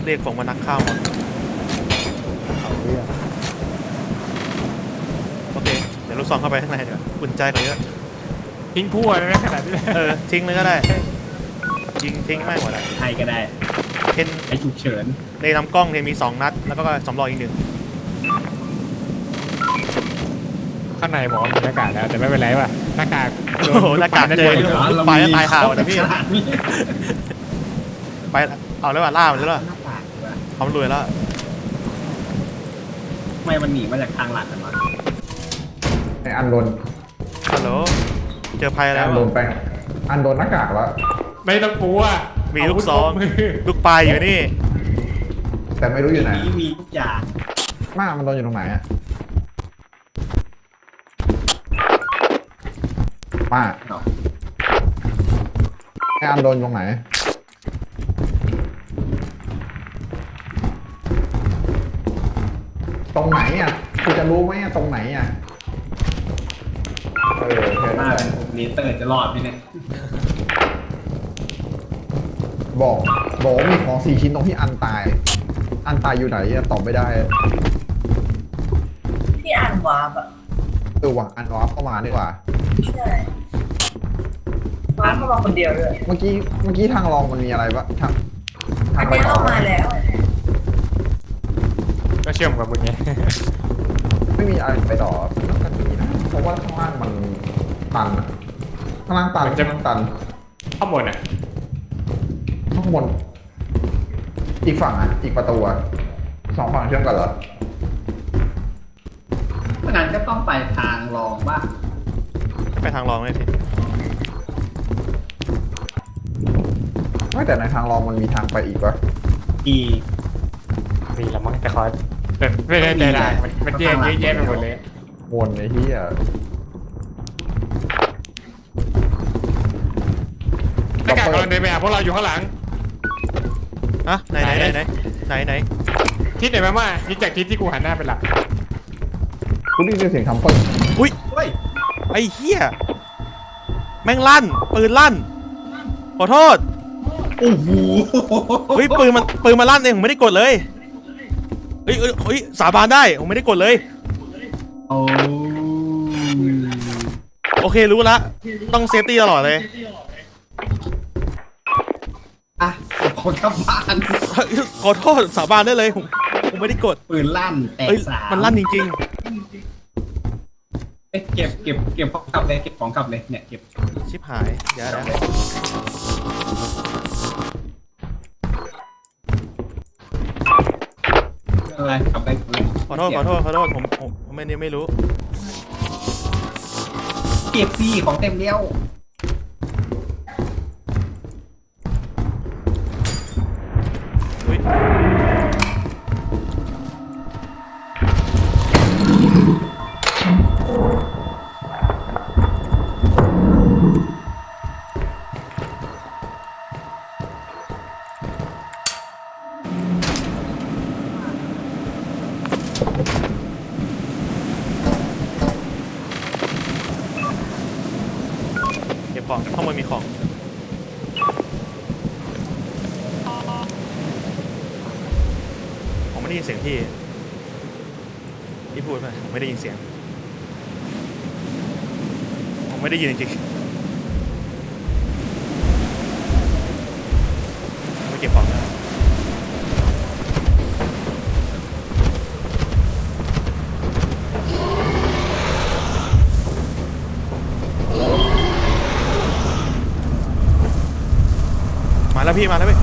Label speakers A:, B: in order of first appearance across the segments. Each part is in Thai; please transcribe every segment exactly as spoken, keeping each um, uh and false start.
A: เรียกฝงมานักข้าวหมด
B: เอาเรื่อง
A: โอเคเดี๋ยวลูกซองเข้าไปข้างในเดี๋ยวอุ่นใจกว่าเยอะ
C: ทิ้งพั่วเลยนะขนาดนี้
A: เออทิ้งเลยก็ได้ยิงทิ้งไม่หมดอ่ะ
D: ไทยก็ได้
A: เทน
D: ไอฉุกเฉิน
A: ในลำกล้องเทนมีสองนัดแล้วก็สำรองอีกหนึ่ง
C: ข้างในหมอมีหน้ากากแล้วแต่ไม่เป็นไรว่ะหน้ากาก
A: โอ้โหหน้ากากเจอลูกปลายก็ตายห่าวนะพี่ไปเอาแล้วว่ะล่ามันแล้วว่ะเขารวยแล้ว
D: ทำไมมันหนีมาจากทางหลักกันวะ
B: ไออันโดน
A: ฮัลโหลเจอภัยแล้ว
B: อันโดนแป้งอันโดนหน้ากากแล้ว
C: ไม่ต้องกลัว
A: มีลูกซองลูกปลายอยู่นี่
B: แต่ไม่รู้อยู่ไหน
D: มีทุกอย่าง
B: มากมันโดนอยู่ตรงไหนอะป้าไออันโดนตรงไหนตรงไหนอ่ะคุณจะรู้ไหมตรงไหนอ่ะเออแค่
D: มาก
B: นั้น
D: เลเตอร์จะรอดไหมเนี่ย
B: บอกบอกว่ามีของสี่ชิ้นตรงที่อันตายอันตายอยู่ไหนตอบไม่ได้
E: ที่อ่านวาร์ปอะ
B: เออว่ะอันวาร์ปเข้ามาดีกว่า
E: ใช่วาร์ปเข้ามาคนเดียวเลย
B: เมื่อกี้เมื่อกี้ทางรองมันมีอะไรปะทาง
E: ทางไปต่อมาแล้ว
C: ก็เชื่อมกับมึงไง
B: ไม่มีอะไรไปต่อน่าจะมีนะเพราะว่าข้างล่างมันตันข้างล่างตันข้างล่างตัน
C: ข้างบนอ่ะ
B: ข้างบนอีกฝั่งอ่ะอีกประตูอ่ะสองฝั่งเชื่อมกันเหรอ
D: เพราะงั้นก็ต้องไปทางรองบ้าง
A: ไปทางรองเลยสิ
B: ไม่แต่ในทางรองมันมีทางไปอีกวะ
D: อี
C: มีละมั้งแต่ขอแต่ไม่ได้ใจร้ายมันมันแยกเยอะแยะไปหมดเลย
B: วนไอ้ที่อ่ะ
C: หน้ากากกำลังเดินไปหาพวกเราอยู่ข้างหลัง
A: อะไหนไหนไหนไหนไหน
C: ทิศไหนมาม่ายิงจากทิศที่กูหันหน้าไปหลัก
B: กูได้ยินเสียงทำปืน
A: อุ้ยไอ้เหี้ยแม่งลั่นปืนลั่นขอโทษ
D: โอ้โห
A: เฮ้ยปืนมันปืนมาลั่นเองผมไม่ได้กดเลยเฮ้ยเฮ้ยสาบานได้ผมไม่ได้กดเลย
D: โอ้
A: โอเครู้ละต้องเซฟตี้ตลอดเลย
D: อ่ะคนกลับบ้าน
A: ขอโทษสาบานได้เลยผมผมไม่ได้กด
D: ปืนลั่นแตกสาม
A: มันลั่นจริง
D: ๆเก็บเก็บเก็บของกลับเลยเก็บของกลับเลยเนี่ยเก็บ
A: ชิบหายเดี๋ยวนะ
D: อะไรกลับไป
A: ขอโทษขอโทษขอโทษผมผมไม่เนี่ยไม่รู้
D: เก็บซี่ของเต็มเดียว
A: อุ้ยของข้างบนมีของผมไม่ได้ยินเสียงพี่พี่พูดไปผมไม่ได้ยินเสียงผมไม่ได้ยินจริงๆไม่เก็บของนะมาแล้วพี่มาแล้วพี่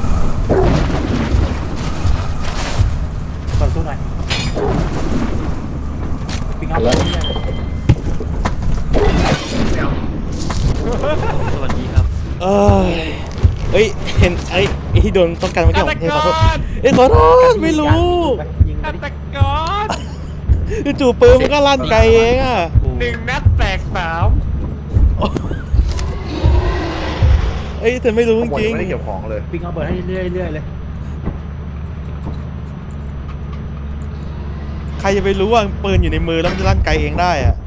C: เปิดตู้หน่อยปิงเอาเลย
A: สวัสดีครับเอ้ยเอ้ยเห็นไอ้ไอ้ที่โดนต้องการเมื่อกี้ผมขอโทษเอ้ยขอโทษไม่รู้
C: ฆาตก
A: รจู่ปืนมันก็ลั่นไกลเองอ่ะ
C: หนึ่งนัดแตกสาม
A: เอ้ยแต่ไม่รู้จริง
B: ไม่ได้เก็บของเลย
C: ปิงเอาเบิร์ดให้เรื่อยๆเลย
A: ใครจะไปรู้ว่าปืนอยู่ในมือแล้วมันจะลั่นไกลเองได้อะ